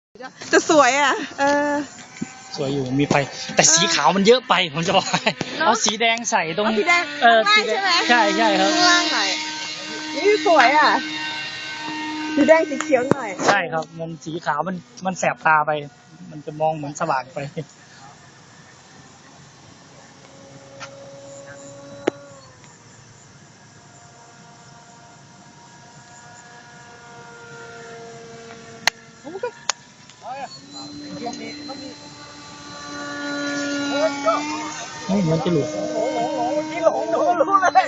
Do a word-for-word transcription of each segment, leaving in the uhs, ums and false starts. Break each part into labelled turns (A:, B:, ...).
A: จะสวยอ่ะเออ
B: สวยอยู่มีไฟแต่สีขาวมันเยอะไปผมจะบอกเอาสีแดงใส่ตรง
A: สีแดง
B: เออ
A: ข้าง
B: สี
A: ล่าง
B: แด
A: ใช่
B: ง
A: ไหม
B: ใช่ใช่ครับ
A: ข้างล่างหน่อยนี่สวยอ่ะสีแดงสีเขียวหน่อย
B: ใช่ครับมันสีขาวมันมันแสบตาไป มันจะมองเหมือนสว่างไปไม่เหมือนจะหลุดที่หลงหนูรู้เลย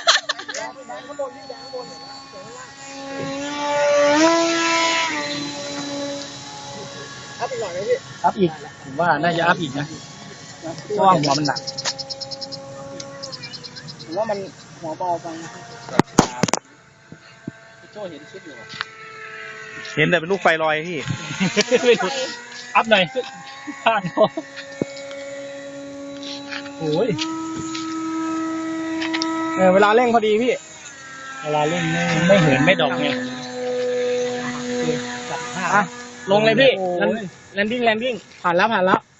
B: อัพอีกหน่อยไหมพี่อัพอีกผมว่าน่าจะอัพอีกนะเพราะว่าหัวมันหนักผมว่ามันหัวเบาไปพี่โจ้เห็นชุดอยู่
C: เห็นแต่เป็นลูกไฟลอยพี่
B: ไม่หลุดอัพหน่อยพลาดโอ้ย
D: เออเวลาเร่งพอดีพี่
B: เวลาเล่นไม่ไม่เหินไม่ดอกไงจับผ้า
D: อ่ะลงเลยพี่แลนดิ้งแลนดิ้งผ่านแล้วผ่านแล้ว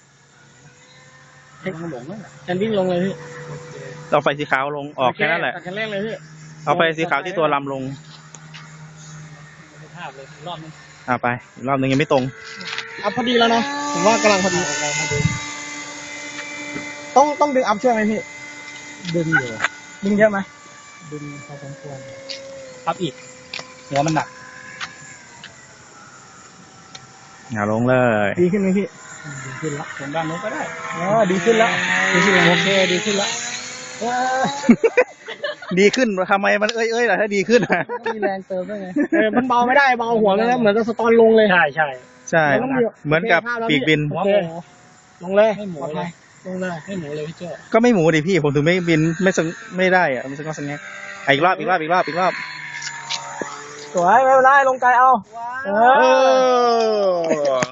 D: แลนดิ้งลงเลยพี่
C: เอาไฟสีขาวลงออกแค่นั้นแหละ
D: ตัดคันเร่งเลยพี่
C: เอาไฟสีขาวที่ตัวลำลง
B: ภาพเลยรอบนึง
C: อ่าไปอีกรอบนึงยังไม่ตรง
D: อัพพอดีแล้วเนาะผมว่ากำลังพอดีต้องต้องดึงอัพช่วยไหมพี่
B: ดึงอยู่
D: ดึงเยอะไหม
B: ดึงพอสมควรอัพอีกหัวมันหนัก
C: อย่าลงเลย
D: ดีขึ้นไหมพี่
B: ดีขึ้นละผมด้านโน้นก็ได้
D: อ๋อดีขึ้นแล้วดีขึ้นแล้ว
B: โอเคดีขึ้นละ
C: ดีขึ้นทำไมมันเอ้ยเอ้ยล่ะถ้าดีขึ้นอ่ะ
B: มีแรงเติมด้วยไง
D: เออมันเบาไม่ได้เบาหัวเลยนะเหมือนกับสตอนลงเลย
B: ใช่ใช่
C: ใช่ เหมือนกับปีกบิน
B: หัว
D: โอ
B: ห
D: เค
B: มู
D: ลงเลย
B: ไม่หมู
D: ปลอด
B: เล
D: ภั
B: ย
D: ยลงเลย
B: ไม่หมูเลยพี่โจ้
C: ก็ไม่หมูดิพี่ผมถึงไม่บินไม่สงไม่ได้อะมันสงก็สงแงกอ่ะอีกรอบอีกรอบอีกรอบอีกรอบ
D: สวยไม่เป็นไรลงไกลเอาเอ
C: เอ
D: อ
C: อ